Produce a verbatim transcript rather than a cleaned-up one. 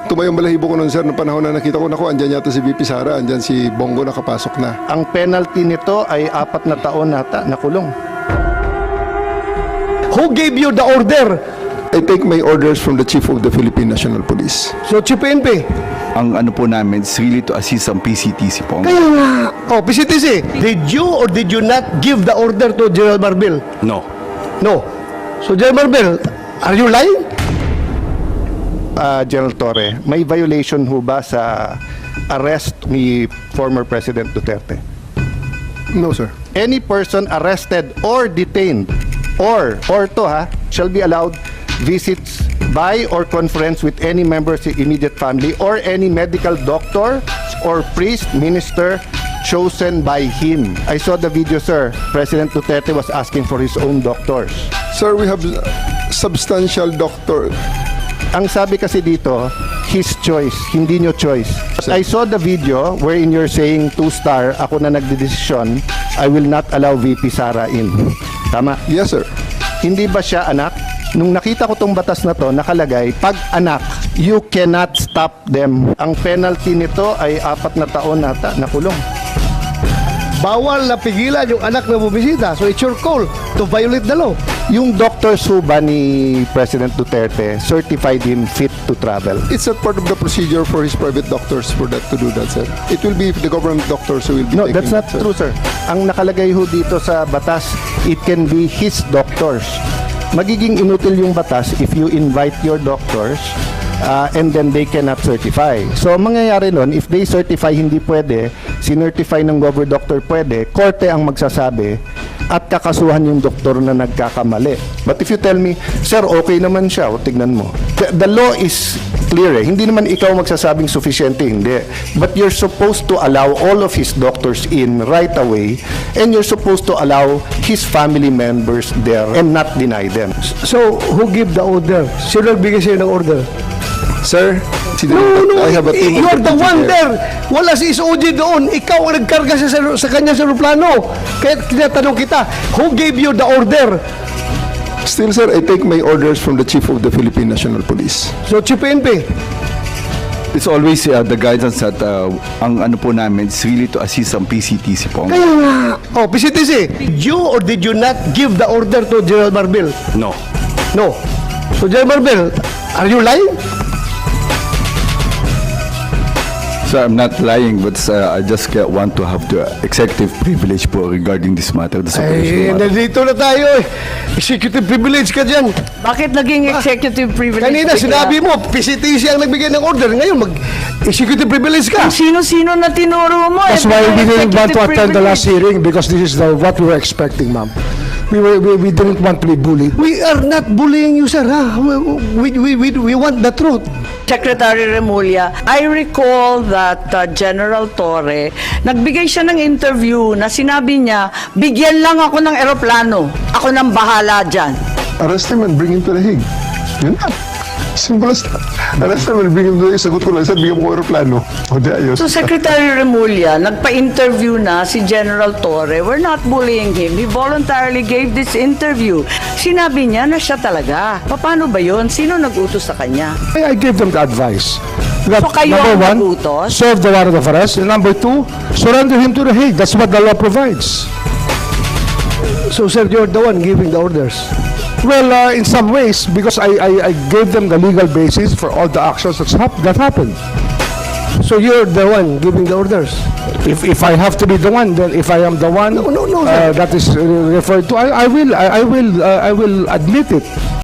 Tumayong balahibo ko nun, sir, noong panahon na nakita ko, naku, andyan yata si V P Sara, andyan si Bongo nakapasok na. Ang penalty nito ay apat na taon nata na kulong. Who gave you the order? I take my orders from the Chief of the Philippine National Police. So, Chief P N P. Ang ano po namin is really to assist ang P C T C po. Kaya nga. Oh, P C T C, did you or did you not give the order to General Marbil? No. No. So, General Marbil, are you lying? Uh, General Torre, may violation ho ba sa arrest ni former President Duterte? No, sir. Any person arrested or detained or or to ha shall be allowed visits by or conference with any member of the immediate family or any medical doctor or priest minister chosen by him. I saw the video, sir. President Duterte was asking for his own doctors. Sir, we have substantial doctor. Ang sabi kasi dito, his choice, hindi nyo choice. I saw the video wherein you're saying two-star, ako na nagdedesisyon, I will not allow V P Sara in. Tama? Yes, sir. Hindi ba siya anak? Nung nakita ko tong batas na to, nakalagay, pag anak, you cannot stop them. Ang penalty nito ay apat na taon nata na kulong. Bawal na pigilan yung anak na bumisita. So, it's your call to violate the law. Yung doctors ho ba ni President Duterte certified him fit to travel? It's a part of the procedure for his private doctors for that to do that, sir. It will be the government doctors who will be No, taking that's not it, sir. true, sir. Ang nakalagay ho dito sa batas, it can be his doctors. Magiging inutil yung batas if you invite your doctors uh, and then they cannot certify. So, ang mangyayari nun, if they certify hindi pwede, sinertify ng gover doctor pwede, korte ang magsasabi at kakasuhan yung doktor na nagkakamali. But if you tell me, sir, okay naman siya, o tignan mo. The, the law is clear eh. Hindi naman ikaw magsasabing sufficiente, hindi. But you're supposed to allow all of his doctors in right away and you're supposed to allow his family members there and not deny them. So, who give the order? Sino nagbigay sa'yo ng order? Sir, si No, no, I have a team of you're the deputy one there. there. Wala si S O G doon. Ikaw ang nagkarga sa, sa kanya sa aeroplano. Kaya tinatanong kita, who gave you the order? Still, sir, I take my orders from the Chief of the Philippine National Police. So, Chief P N P. It's always uh, the guidance that uh, ang ano po namin is really to assist ang P C T C po. Kaya nga. Oh, P C T C, did you or did you not give the order to General Marbil? No. No. So, General Marbil, are you lying? So I'm not lying, but uh, I just uh, want to have the executive privilege po regarding this matter. This Eh, operational matter. nandito na tayo eh. Executive privilege ka dyan. Bakit naging executive privilege? Kanina bigla? sinabi mo, P C T C ang nagbigay ng order. Ngayon, mag-executive privilege ka. Kung sino-sino na tinuro mo. That's eh, why we bigla didn't want to executive attend the last privilege. hearing because this is the, what we were expecting, ma'am. We, were, we, we didn't want to be bullied. We are not bullying you, sir. Ha? We, we, we, we want the truth. Secretary Remulla, I recall that uh, General Torre, nagbigay siya ng interview na sinabi niya, bigyan lang ako ng eroplano. Ako nang bahala dyan. Arrest him and bring him to the Hague. Yun na. Simple as that. Arrest him and bring him to the Hague. Sagot ko lang, sir, bigyan mo ko aeroplano. O di ayos. So Secretary Remulla, nagpa-interview na si General Torre. We're not bullying him. He voluntarily gave this interview. Sinabi niya na siya talaga. Paano ba yun? Sino nag-utos sa kanya? I, I gave them the advice. That, So kayo number ang one, nagutos? serve the warrant of arrest. And number two, surrender him to the Hague. That's what the law provides. So, sir, you're the one giving the orders. Well, uh, in some ways, because I, I, I gave them the legal basis for all the actions that's hap- that happened. So, you're the one giving the orders. If if I have to be the one, then if I am the one No, no, no, uh, sir. that is uh, referred to, I, I will I, I will uh, I will admit it.